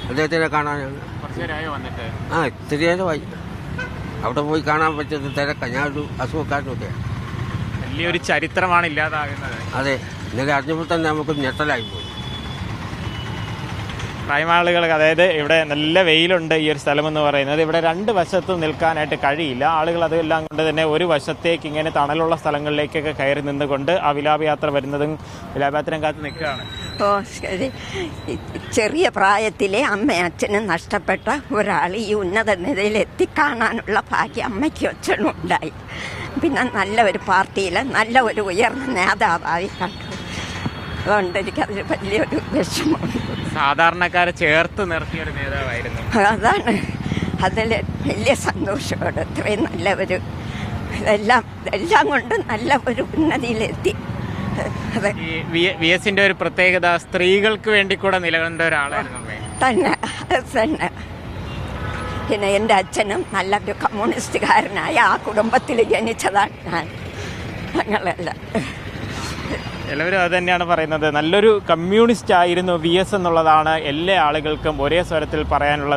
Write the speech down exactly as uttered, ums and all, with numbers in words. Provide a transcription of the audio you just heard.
അദ്ദേഹത്തിനെ കാണാനാണ്. ആ ഇത്തിരി നേരമായി. അവിടെ പോയി കാണാൻ പറ്റുന്ന തിരക്കാണ്. ഞാനൊരു അസുഖക്കാരനൊക്കെ. വലിയൊരു ചരിത്രമാണ് ഇല്ലാതാകുന്നത്. അതെ, ഇന്നലെ അറിഞ്ഞപ്പോൾ തന്നെ നമുക്ക് ഞെട്ടലായി പോയി. പ്രായമാളുകൾ, അതായത് ഇവിടെ നല്ല വെയിലുണ്ട്. ഈ ഒരു സ്ഥലമെന്ന് പറയുന്നത് ഇവിടെ രണ്ട് വശത്തും നിൽക്കാനായിട്ട് കഴിയില്ല. ആളുകൾ അതെല്ലാം കൊണ്ട് തന്നെ ഒരു വശത്തേക്ക് ഇങ്ങനെ തണലുള്ള സ്ഥലങ്ങളിലേക്കൊക്കെ കയറി നിന്നുകൊണ്ട് ആ വിലാപയാത്ര വരുന്നതും വിലാപയാത്രയും കാത്ത് നിൽക്കുകയാണ്. ഓ ശരി. ചെറിയ പ്രായത്തിലെ അമ്മ അച്ഛനും നഷ്ടപ്പെട്ട ഒരാൾ ഈ ഉന്നത നിലയിൽ എത്തിക്കാണാനുള്ള ഭാഗ്യം അമ്മയ്ക്കും അച്ഛനും ഉണ്ടായി. പിന്നെ നല്ല ഒരു പാർട്ടിയിൽ നല്ല ഒരു ഉയർന്ന നേതാവായി കണ്ടു. അതുകൊണ്ട് എനിക്കതിൽ വലിയൊരു വിഷമമുണ്ട്. സാധാരണക്കാരെ ചേർത്ത് നിർത്തിയ ഒരു നേതാവായിരുന്നു. അതാണ് അതിൽ വലിയ സന്തോഷമാണ്. ഇത്രയും നല്ല ഒരു എല്ലാം എല്ലാം കൊണ്ടും നല്ല ഒരു ഉന്നതിയിലെത്തി. അതെ, വി എസിന്റെ ഒരു പ്രത്യേകത സ്ത്രീകൾക്ക് വേണ്ടി കൂടെ നിലകൊണ്ട ഒരാളായിരുന്നു തന്നെ. തന്നെ പിന്നെ എൻ്റെ അച്ഛനും നല്ലൊരു കമ്മ്യൂണിസ്റ്റുകാരനായ ആ കുടുംബത്തിൽ ജനിച്ചതാണ് ഞാൻ. ഞങ്ങളെല്ലാം എല്ലാവരും അത് തന്നെയാണ് പറയുന്നത്. നല്ലൊരു കമ്മ്യൂണിസ്റ്റ് ആയിരുന്നു വി എസ് എന്നുള്ളതാണ് എല്ലാ ആളുകൾക്കും ഒരേ സ്വരത്തിൽ പറയാനുള്ളത്.